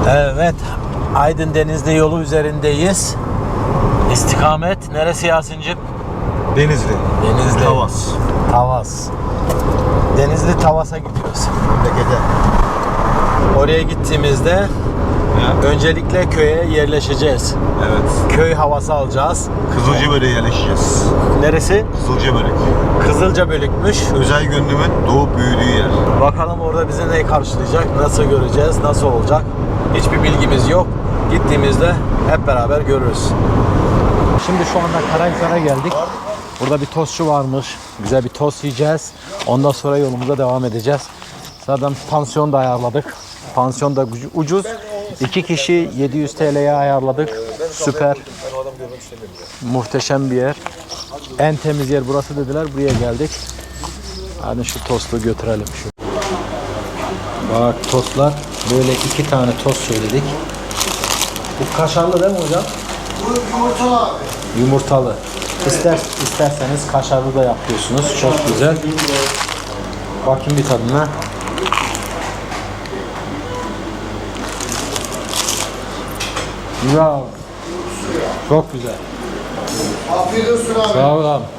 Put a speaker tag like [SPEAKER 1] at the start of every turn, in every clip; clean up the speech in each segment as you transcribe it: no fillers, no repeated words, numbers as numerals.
[SPEAKER 1] Evet, Aydın Denizli yolu üzerindeyiz. İstikamet neresi Yasin'cim?
[SPEAKER 2] Denizli.
[SPEAKER 1] Denizli.
[SPEAKER 2] Tavas.
[SPEAKER 1] Tavas. Denizli Tavas'a gidiyoruz.
[SPEAKER 2] Memlekete.
[SPEAKER 1] Oraya gittiğimizde öncelikle köye yerleşeceğiz.
[SPEAKER 2] Evet.
[SPEAKER 1] Köy havası alacağız.
[SPEAKER 2] Kızılcabölük'e yerleşeceğiz.
[SPEAKER 1] Neresi?
[SPEAKER 2] Kızılcabölük.
[SPEAKER 1] Kızılcabölükmüş.
[SPEAKER 2] Özel gönlümün doğup büyüdüğü yer.
[SPEAKER 1] Bakalım orada bizi ne karşılayacak, nasıl göreceğiz, nasıl olacak? Hiçbir bilgimiz yok. Gittiğimizde hep beraber görürüz. Şimdi şu anda Karahisar'a geldik. Burada bir tostçu varmış. Güzel bir tost yiyeceğiz. Ondan sonra yolumuza devam edeceğiz. Zaten pansiyon da ayarladık. Pansiyon da ucuz. 2 kişi 700 TL'ye ayarladık. Süper. Muhteşem bir yer. En temiz yer burası dediler. Buraya geldik. Hadi şu tostu götürelim. Bak tostlar. Böyle 2 tane tost söyledik. Bu kaşarlı değil mi hocam?
[SPEAKER 3] Bu yumurtalı abi.
[SPEAKER 1] Yumurtalı. İsterseniz kaşarlı da yapıyorsunuz. Çok güzel. Bakayım bir tadına. Güzel. Çok güzel.
[SPEAKER 3] Afiyet olsun abi.
[SPEAKER 1] Sağ ol abi.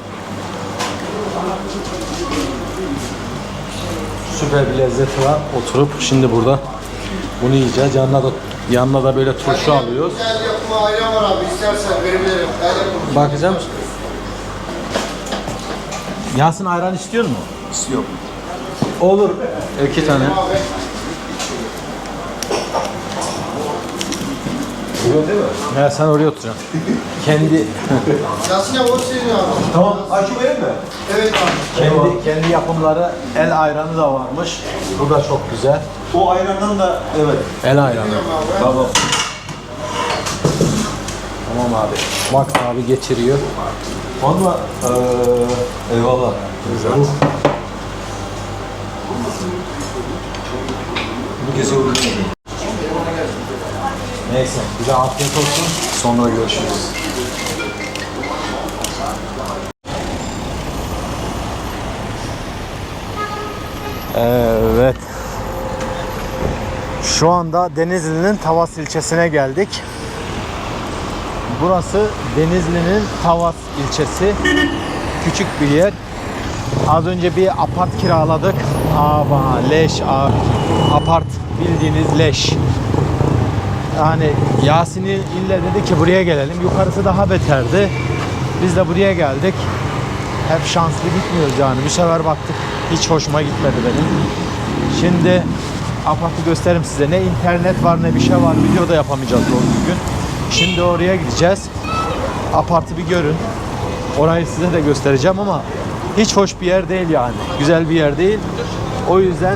[SPEAKER 1] Süper bir lezzeti var. Oturup şimdi burada bunu yiyeceğiz. Yanına da böyle turşu alıyoruz.
[SPEAKER 3] El yapımı ayran var abi. İstersen verebilirim. El yapımı.
[SPEAKER 1] Bakacağım. Yasin ayran istiyor mu?
[SPEAKER 2] İstiyorum.
[SPEAKER 1] Olur. 2 tane.
[SPEAKER 3] Abi.
[SPEAKER 2] Buyurun değil mi?
[SPEAKER 1] Ya sen oraya oturacaksın. Kendi
[SPEAKER 3] Yasin abi o senin abi.
[SPEAKER 2] Tamam. Açı benim mi?
[SPEAKER 3] Evet abi.
[SPEAKER 1] kendi yapımları el ayranı da varmış. Bu da çok güzel.
[SPEAKER 2] O ayrandan da evet.
[SPEAKER 1] El ayranı.
[SPEAKER 2] Tamam.
[SPEAKER 1] Tamam abi. Bak abi geçiriyor.
[SPEAKER 2] Valla eyvallah.
[SPEAKER 1] Güzel.
[SPEAKER 2] Bu kese uygun.
[SPEAKER 1] Neyse. Bize afiyet olsun. Sonra görüşürüz. Evet. Şu anda Denizli'nin Tavas ilçesine geldik. Burası Denizli'nin Tavas ilçesi. Küçük bir yer. Az önce bir apart kiraladık. Leş apart, bildiğiniz leş. Yani Yasin'i ille dedi ki buraya gelelim. Yukarısı daha beterdi. Biz de buraya geldik. Hep şanslı gitmiyoruz yani. Bir sefer baktık hiç hoşuma gitmedi benim. Şimdi apartı gösteririm size. Ne internet var ne bir şey var. Video da yapamayacağız doğru düzgün. Şimdi oraya gideceğiz. Apartı bir görün. Orayı size de göstereceğim ama hiç hoş bir yer değil yani. Güzel bir yer değil. O yüzden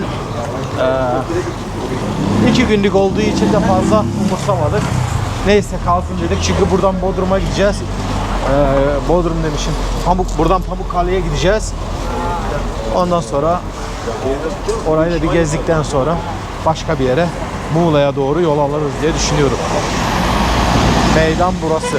[SPEAKER 1] 2 günlük olduğu için de fazla umursamadık. Neyse kalsın dedik. Çünkü buradan Bodrum'a gideceğiz. Bodrum demişim. Buradan Pamukkale'ye gideceğiz. Ondan sonra orayı da bir gezdikten sonra başka bir yere Muğla'ya doğru yol alırız diye düşünüyorum. Meydan burası.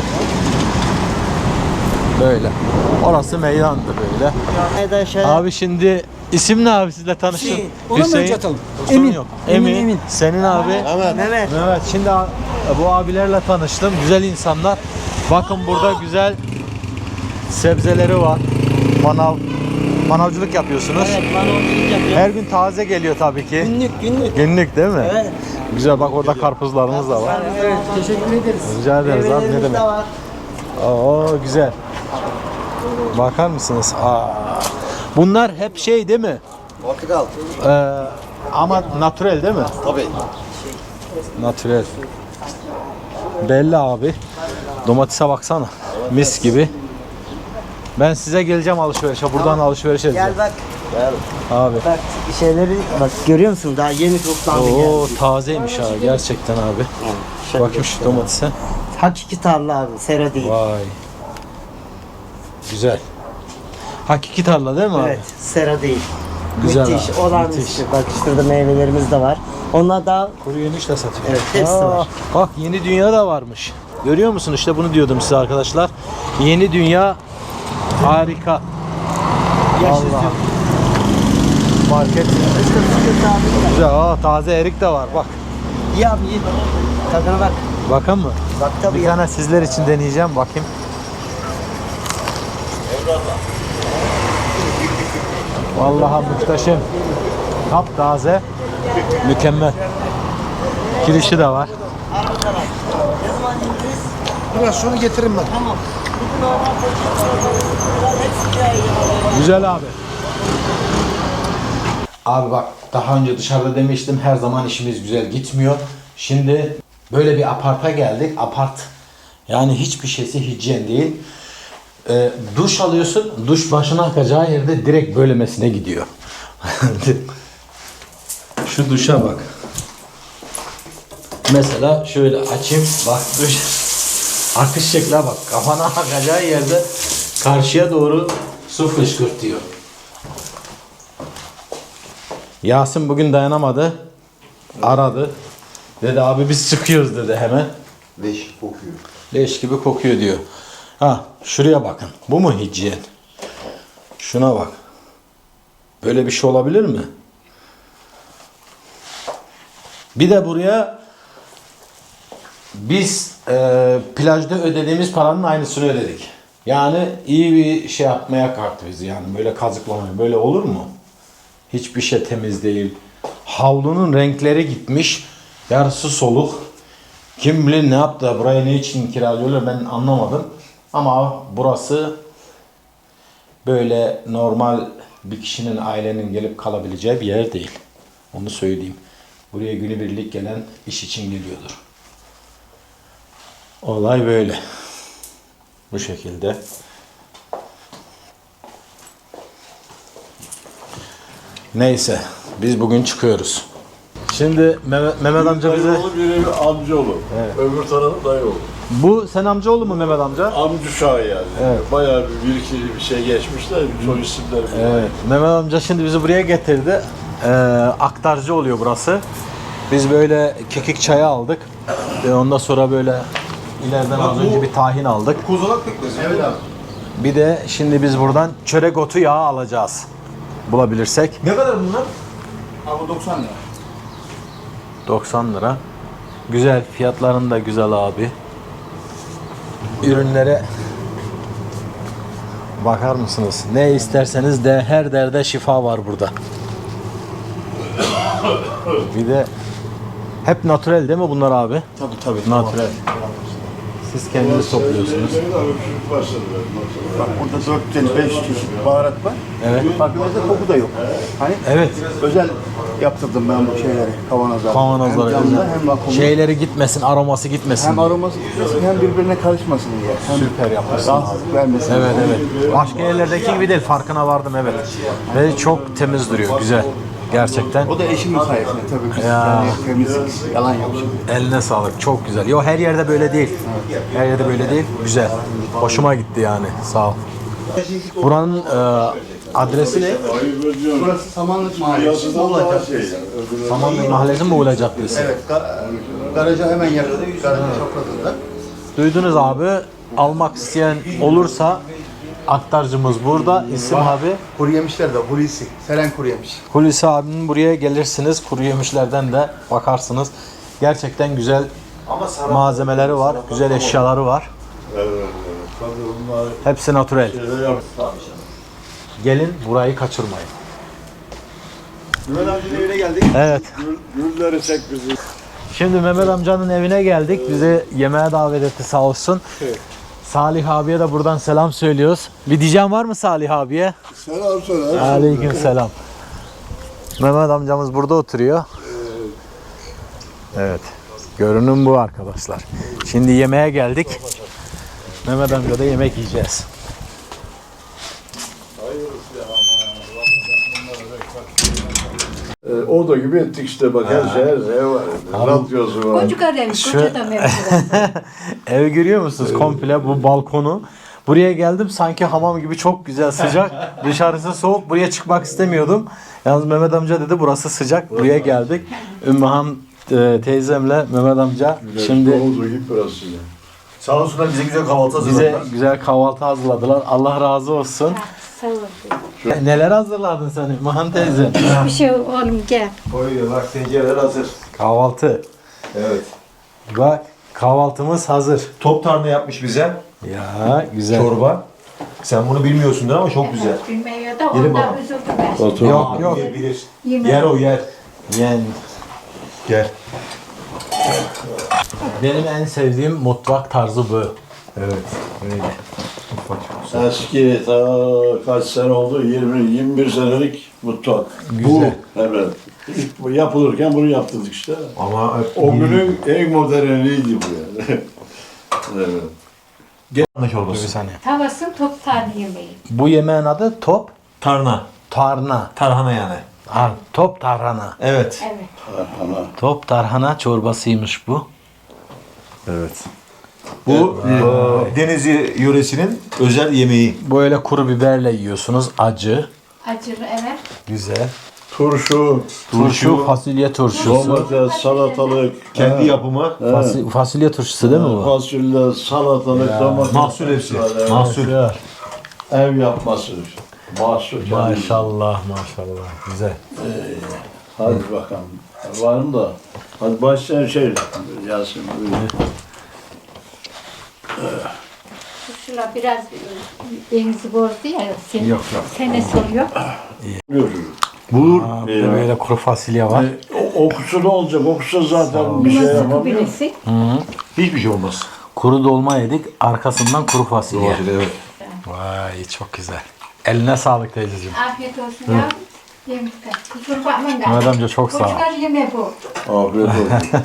[SPEAKER 1] Böyle. Orası meydandı böyle. Abi şimdi isim ne abi sizle tanıştım? Hüseyin. Emin. Yok. Emin. Senin abi?
[SPEAKER 3] Mehmet.
[SPEAKER 1] Evet. Şimdi bu abilerle tanıştım. Güzel insanlar. Bakın burada güzel sebzeleri var. Manavcılık yapıyorsunuz.
[SPEAKER 4] Evet, manavcılık yapıyor.
[SPEAKER 1] Her gün taze geliyor tabii ki.
[SPEAKER 4] Günlük.
[SPEAKER 1] Günlük değil mi?
[SPEAKER 4] Evet.
[SPEAKER 1] Güzel bak orada karpuzlarımız da var.
[SPEAKER 4] Evet, teşekkür ederiz.
[SPEAKER 1] Rica ederiz abi ne
[SPEAKER 4] Meyvelerimiz
[SPEAKER 1] demek.
[SPEAKER 4] de var.
[SPEAKER 1] Oo güzel. Bakar mısınız? Bunlar hep şey değil mi?
[SPEAKER 2] Portakal.
[SPEAKER 1] Ama natürel değil mi?
[SPEAKER 2] Tabii.
[SPEAKER 1] Natürel. Belli abi. Domatese baksana. Mis gibi. Ben size geleceğim alışverişe. Buradan alışveriş edeceğim.
[SPEAKER 4] Gel bak.
[SPEAKER 1] Abi.
[SPEAKER 4] Bak şeyleri bak görüyor musun? Daha yeni toplandı
[SPEAKER 1] Oo
[SPEAKER 4] geldi.
[SPEAKER 1] tazeymiş abi gerçekten abi. Bakayım şu domatese.
[SPEAKER 4] Hakiki tarla abi, sera değil.
[SPEAKER 1] Vay. Güzel. Hakiki tarla değil mi abi?
[SPEAKER 4] Evet, sera değil.
[SPEAKER 1] Güzel
[SPEAKER 4] Müthiş,
[SPEAKER 1] abi,
[SPEAKER 4] olağanüstü.
[SPEAKER 1] müthiş.
[SPEAKER 4] Bak şurada meyvelerimiz de var. Onlar daha
[SPEAKER 1] Kuru yemiş de satıyor.
[SPEAKER 4] Evet, hepsi var.
[SPEAKER 1] Bak yeni dünya da varmış. Görüyor musun? İşte bunu diyordum size arkadaşlar. Yeni dünya harika. Allah. Market. Güzel. Taze erik de var bak.
[SPEAKER 4] İyi abi iyi. Tadına bak.
[SPEAKER 1] Bakın mı?
[SPEAKER 4] Bak tabii
[SPEAKER 1] Bir
[SPEAKER 4] ya.
[SPEAKER 1] tane sizler için deneyeceğim. Bakayım. Vallahi muhteşem. Taptaze. Mükemmel. Kirişi de var.
[SPEAKER 3] Biraz sonra getiririm ben.
[SPEAKER 1] Güzel abi. Abi bak daha önce dışarıda demiştim her zaman işimiz güzel gitmiyor. Şimdi böyle bir aparta geldik. Apart yani hiçbir şeysi hijyen değil. Duş alıyorsun. Duş başına akacağı yerde direkt böylemesine gidiyor. Şu duşa bak. Mesela şöyle açayım. Bak duş. Akış şekline bak. Kafana akacağı yerde karşıya doğru su fışkırtıyor. Yasin bugün dayanamadı. Aradı. Dedi abi biz çıkıyoruz dedi hemen.
[SPEAKER 3] Leş kokuyor.
[SPEAKER 1] Leş gibi kokuyor diyor. Ha şuraya bakın. Bu mu hijyen? Şuna bak. Böyle bir şey olabilir mi? Bir de buraya biz plajda ödediğimiz paranın aynısını ödedik. Yani iyi bir şey yapmaya kalktı bizi yani böyle kazıklamaya. Böyle olur mu? Hiçbir şey temiz değil. Havlunun renkleri gitmiş. Yarısı soluk. Kim bilir ne yaptı? Burayı ne için kiralıyorlar ben anlamadım. Ama burası böyle normal bir kişinin, ailenin gelip kalabileceği bir yer değil. Onu söyleyeyim. Buraya günübirlik gelen iş için geliyordur. Olay böyle. Bu şekilde. Neyse. Biz bugün çıkıyoruz. Şimdi Mehmet amca bize...
[SPEAKER 5] Dayıoğlu biri amcaoğlu.
[SPEAKER 1] Evet.
[SPEAKER 5] Öbür tarafı dayıoğlu.
[SPEAKER 1] Bu sen amcaoğlu mu Mehmet amca?
[SPEAKER 5] Amca uşağı yani.
[SPEAKER 1] Evet.
[SPEAKER 5] Bayağı bir iki bir şey geçmişler. Soy isimleri.
[SPEAKER 1] Evet. Mehmet amca şimdi bizi buraya getirdi. Aktarcı oluyor burası. Biz böyle kekik çayı aldık. Ondan sonra böyle ileriden az önce bir tahin aldık.
[SPEAKER 2] Kozalak pekmezi. Evet abi.
[SPEAKER 1] Bir de şimdi biz buradan çörek otu yağı alacağız. Bulabilirsek.
[SPEAKER 2] Ne kadar bunlar?
[SPEAKER 3] Abi 90 lira.
[SPEAKER 1] 90 lira. Güzel. Fiyatların da güzel abi. Ürünlere bakar mısınız? Ne isterseniz de her derde şifa var burada. Bir de hep natürel değil mi bunlar abi?
[SPEAKER 3] Tabii.
[SPEAKER 1] Natürel. Siz kendiniz topluyorsunuz.
[SPEAKER 3] Bak burada 400-500 çeşit baharat var.
[SPEAKER 1] Evet.
[SPEAKER 3] Bak mesela koku da yok. Hani
[SPEAKER 1] Evet.
[SPEAKER 3] özel yaptırdım ben bu şeyleri, kavanozları.
[SPEAKER 1] Kavanozları
[SPEAKER 3] Hem camda
[SPEAKER 1] özel.
[SPEAKER 3] hem vakumlu.
[SPEAKER 1] Şeyleri gitmesin, aroması gitmesin.
[SPEAKER 3] Hem aroması gitmesin hem birbirine karışmasın diye. Hem
[SPEAKER 1] Süper yapmışsın.
[SPEAKER 3] rahatsızlık vermesin.
[SPEAKER 1] Evet evet. Başka yerlerdeki gibi değil. Farkına vardım evet. Ve çok temiz duruyor. Güzel. Gerçekten.
[SPEAKER 3] O da eşimin sayesinde tabii biz
[SPEAKER 1] Ya.
[SPEAKER 3] yani temizlik yalan yok şimdi.
[SPEAKER 1] Eline sağlık. Çok güzel. Yo her yerde böyle değil. Her yerde böyle değil. Güzel. Hoşuma gitti yani. Sağ ol. Buranın adresi ne?
[SPEAKER 3] Burası Samanlık Mahallesi. Olacak.
[SPEAKER 1] Samanlık Mahallesi mi Muğla Caddesi?
[SPEAKER 3] Evet, garaja hemen yakın. Garajın çaprazında.
[SPEAKER 1] Duydunuz abi. Almak isteyen olursa aktarcımız burada. İsim abi.
[SPEAKER 3] Kuru yemişler de Hulusi. Seren kuru yemiş.
[SPEAKER 1] Hulusi abinin buraya gelirsiniz. Kuru yemişlerden de bakarsınız. Gerçekten güzel malzemeleri var. Güzel eşyaları var.
[SPEAKER 5] Evet. Tabii bunlar
[SPEAKER 1] Hepsi natürel.
[SPEAKER 5] şeyler yap.
[SPEAKER 1] Gelin burayı kaçırmayın.
[SPEAKER 3] Mehmet amcanın evine geldik.
[SPEAKER 1] Evet.
[SPEAKER 5] Gülleri çek bizi.
[SPEAKER 1] Şimdi Mehmet amcanın evine geldik. Bizi yemeğe davet etti sağ olsun. Salih abiye de buradan selam söylüyoruz. Bir diyeceğim var mı Salih abiye?
[SPEAKER 5] Selam söyle.
[SPEAKER 1] Aleyküm selam. Mehmet amcamız burada oturuyor. Evet. Görünüm bu arkadaşlar. Şimdi yemeğe geldik. Mehmet amca da yemek yiyeceğiz.
[SPEAKER 5] Oda gibi ettik işte bak her şey var. Radyosu var.
[SPEAKER 6] Koca kadem, koca da mevzular.
[SPEAKER 1] Ev görüyor musunuz? Komple bu balkonu. Buraya geldim sanki hamam gibi çok güzel sıcak. Dışarısı soğuk. Buraya çıkmak istemiyordum. Yalnız Mehmet amca dedi burası sıcak. Buraya geldik. Ümmühan teyzemle Mehmet amca şimdi
[SPEAKER 5] Oda gibi burası.
[SPEAKER 2] Sağ olsunlar bize güzel kahvaltı
[SPEAKER 1] bize
[SPEAKER 2] hazırladılar.
[SPEAKER 1] güzel kahvaltı hazırladılar. Allah razı olsun.
[SPEAKER 6] Sağ ol.
[SPEAKER 1] Neler hazırladın sen Ümmühan teyze?
[SPEAKER 6] Bir şey oğlum gel.
[SPEAKER 2] Koyuyor bak tencereler hazır.
[SPEAKER 1] Kahvaltı.
[SPEAKER 2] Evet.
[SPEAKER 1] Bak kahvaltımız hazır.
[SPEAKER 2] Top tarhana yapmış bize.
[SPEAKER 1] Ya güzel.
[SPEAKER 2] Çorba. Sen bunu bilmiyorsundur ama çok güzel.
[SPEAKER 6] Bilmiyor da
[SPEAKER 2] Yerim
[SPEAKER 6] ondan
[SPEAKER 2] ama.
[SPEAKER 6] üzüldüm ben.
[SPEAKER 5] Otur.
[SPEAKER 1] Yok yok.
[SPEAKER 2] Bilir.
[SPEAKER 6] Yemek.
[SPEAKER 2] Yer o yer.
[SPEAKER 1] Yani
[SPEAKER 2] Gel.
[SPEAKER 1] benim en sevdiğim mutfak tarzı bu.
[SPEAKER 2] Evet.
[SPEAKER 1] Öyle.
[SPEAKER 5] Eski kaç sene oldu? 20-21 senelik mutfak.
[SPEAKER 1] Güzel.
[SPEAKER 5] Bu. Evet. İlk yapılırken bunu yaptırdık işte.
[SPEAKER 2] Ama
[SPEAKER 5] O günün en moderniydi bu yani. Evet.
[SPEAKER 2] tarhana
[SPEAKER 1] Dur bir
[SPEAKER 2] çorbası.
[SPEAKER 1] saniye.
[SPEAKER 6] Tavasın top tane yemeği.
[SPEAKER 1] Bu yemeğin adı top
[SPEAKER 2] Tarhana.
[SPEAKER 1] tarhana.
[SPEAKER 2] Tarhana yani.
[SPEAKER 1] Ha, top tarhana.
[SPEAKER 2] Evet.
[SPEAKER 6] Evet.
[SPEAKER 5] Ana.
[SPEAKER 1] Top tarhana çorbasıymış bu.
[SPEAKER 2] Evet. Bu Denizli yöresinin özel yemeği.
[SPEAKER 1] Böyle kuru biberle yiyorsunuz. Acı.
[SPEAKER 6] Acılı evet.
[SPEAKER 1] Güzel.
[SPEAKER 5] Turşu,
[SPEAKER 1] Turşu, fasulye turşusu.
[SPEAKER 5] domates, salatalık,
[SPEAKER 2] Kendi yapımı.
[SPEAKER 1] Fasulye turşusu değil mi bu?
[SPEAKER 5] fasulye, salatalık, domates.
[SPEAKER 2] Mahsul hepsi.
[SPEAKER 5] Evet.
[SPEAKER 2] Mahsul.
[SPEAKER 5] Ev yapması. Mahsul. kendi.
[SPEAKER 1] Maşallah maşallah. Güzel.
[SPEAKER 5] Hadi bakalım. Varım da. Hadi başlayalım şey. Yasin. Buyur.
[SPEAKER 6] Şuna biraz denizi bozdu ya. Yok. Senesi oluyor.
[SPEAKER 5] Buyur.
[SPEAKER 2] Bulur.
[SPEAKER 1] Bir de böyle kuru fasulye var.
[SPEAKER 5] Okusu ne olacak? Okusu zaten bir şey
[SPEAKER 6] Limon sıkı
[SPEAKER 5] yapamıyor.
[SPEAKER 6] birisi.
[SPEAKER 2] Hiçbir şey olmaz.
[SPEAKER 1] Kuru dolma yedik. Arkasından kuru fasulye.
[SPEAKER 2] Evet.
[SPEAKER 1] Vay çok güzel. Eline sağlık teyzeciğim.
[SPEAKER 6] Afiyet olsun ya. Yemekte. Kusura bakmayın.
[SPEAKER 1] Mehmet amca çok sağ ol.
[SPEAKER 6] Çocuklar yeme bu.
[SPEAKER 5] Afiyet olsun.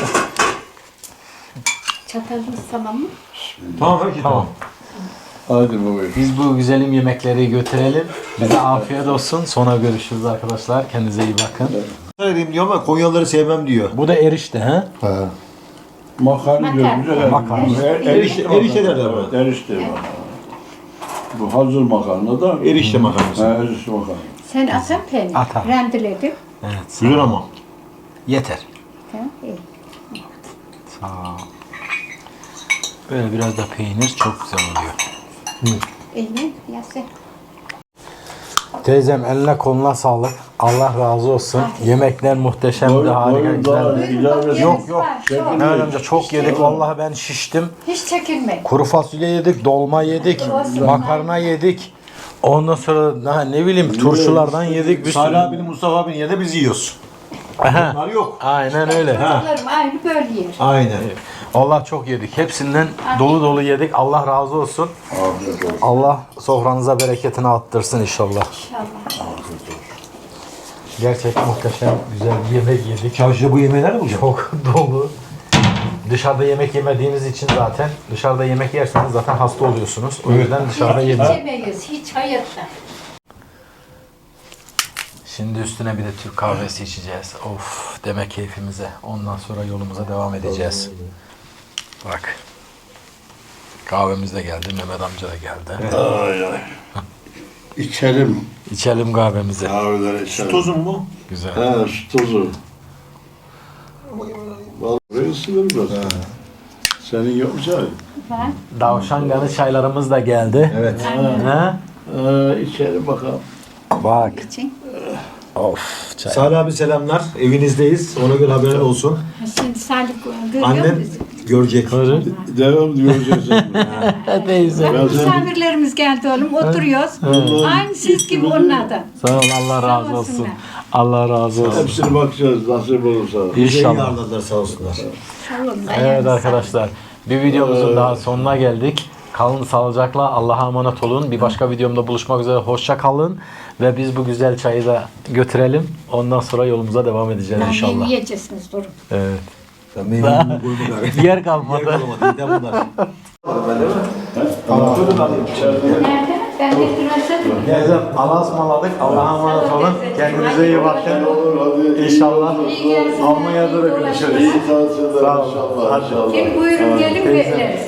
[SPEAKER 6] Çatalımız tamam mı?
[SPEAKER 2] Tamam peki tamam.
[SPEAKER 5] Hadi buyur.
[SPEAKER 1] Biz bu güzelim yemekleri götürelim. Bize afiyet olsun. Sonra görüşürüz arkadaşlar. Kendinize iyi bakın.
[SPEAKER 2] Söyleyeyim diyor ama Konyalıları sevmem diyor.
[SPEAKER 1] Bu da erişte he?
[SPEAKER 5] Makarna diyoruz. Evet.
[SPEAKER 1] Makarna.
[SPEAKER 2] Erişte derler buna.
[SPEAKER 5] Evet, erişte var. Bu hazır makarna da
[SPEAKER 2] Erişte makarnası.
[SPEAKER 5] erişte makarna.
[SPEAKER 6] Sen atan peynir.
[SPEAKER 1] Atar.
[SPEAKER 6] Rendeledim.
[SPEAKER 1] Evet.
[SPEAKER 2] Güzel ama.
[SPEAKER 1] Yeter.
[SPEAKER 6] Tamam. iyi.
[SPEAKER 1] Sağ ol. Böyle biraz da peynir çok güzel oluyor.
[SPEAKER 6] Eline yasın.
[SPEAKER 1] Teyzem eline koluna sağlık. Allah razı olsun. Yemekler muhteşemdi, harika güzeldi. Yok yok. Mehmet amca çok yedik. Vallahi ben şiştim.
[SPEAKER 6] Hiç çekinme.
[SPEAKER 1] Kuru fasulye yedik, dolma yedik, makarna yedik. Ondan sonra daha ne bileyim turşulardan yedik. Bir
[SPEAKER 2] Salih
[SPEAKER 1] sürü.
[SPEAKER 2] abinin, Mustafa abinin yerine biz yiyoruz.
[SPEAKER 1] Aha,
[SPEAKER 2] Bunlar yok.
[SPEAKER 1] aynen öyle.
[SPEAKER 6] Çocuklarım aynı böyle yer.
[SPEAKER 2] Aynen.
[SPEAKER 1] Allah çok yedik. Hepsinden dolu dolu yedik. Allah razı olsun.
[SPEAKER 5] Afiyet olsun.
[SPEAKER 1] Allah sofranıza bereketini arttırsın inşallah.
[SPEAKER 6] İnşallah.
[SPEAKER 1] Gerçekten muhteşem, güzel bir yemek yedik.
[SPEAKER 2] Çarşıda bu yemeği nerede bulacağım?
[SPEAKER 1] Çok dolu. Dışarıda yemek yemediğiniz için zaten dışarıda yemek yerseniz zaten hasta oluyorsunuz. O yüzden dışarıda
[SPEAKER 6] Hiç
[SPEAKER 1] yemek.
[SPEAKER 6] yemeyiz. Hiç hayatta.
[SPEAKER 1] Şimdi üstüne bir de Türk kahvesi içeceğiz. Of deme keyfimize. Ondan sonra yolumuza devam edeceğiz. Bak. Kahvemiz de geldi. Mehmet amca da geldi.
[SPEAKER 5] Ay ay. İçelim.
[SPEAKER 1] İçelim kahvemizi.
[SPEAKER 5] Kahveleri içelim.
[SPEAKER 2] Tuzun mu?
[SPEAKER 1] Güzel.
[SPEAKER 5] He, su tozu. Vallahi ısınır biraz. Senin yok mu çay?
[SPEAKER 6] Ben
[SPEAKER 1] Davşanganı çaylarımız da geldi.
[SPEAKER 2] Evet.
[SPEAKER 1] Ha?
[SPEAKER 5] İçelim bakalım.
[SPEAKER 1] Bak.
[SPEAKER 6] için.
[SPEAKER 1] Of. Çay.
[SPEAKER 2] Salih abi selamlar. Evinizdeyiz. Ona göre haberin olsun.
[SPEAKER 6] Şimdi Salih görüyor
[SPEAKER 2] Annem
[SPEAKER 6] musun?
[SPEAKER 2] görecek.
[SPEAKER 5] Devam diyoruz.
[SPEAKER 1] Teyze.
[SPEAKER 5] Ben sen
[SPEAKER 6] Misafirlerimiz geldi oğlum. Oturuyoruz. Aynı siz gibi onlardan.
[SPEAKER 1] Sağ ol. Allah razı
[SPEAKER 6] Sağ
[SPEAKER 1] olsun.
[SPEAKER 6] olsunlar.
[SPEAKER 1] Allah razı olsun.
[SPEAKER 5] hepsine bakacağız nasip olursa.
[SPEAKER 1] İnşallah.
[SPEAKER 2] Yarladılar sağ olsunlar.
[SPEAKER 1] Evet arkadaşlar. Bir videomuzun daha sonuna geldik. Kalın sağlıcakla. Allah'a emanet olun. Bir başka videomda buluşmak üzere. Hoşça kalın. Ve biz bu güzel çayı da götürelim. Ondan sonra yolumuza devam edeceğiz inşallah.
[SPEAKER 6] Yiyeceksiniz durun.
[SPEAKER 1] Evet.
[SPEAKER 2] Ben meyvemi koydum.
[SPEAKER 1] Yer kalmadı.
[SPEAKER 2] bunlar.
[SPEAKER 6] Nerede? Ben getirmezsem.
[SPEAKER 1] Teyzem Allah'a ısmarladık. Allah'a emanet olun. Kendinize iyi bakın. İnşallah Almanya'da da görüşürüz.
[SPEAKER 5] İyi tatiller inşallah.
[SPEAKER 6] Buyurun gelin bekleriz.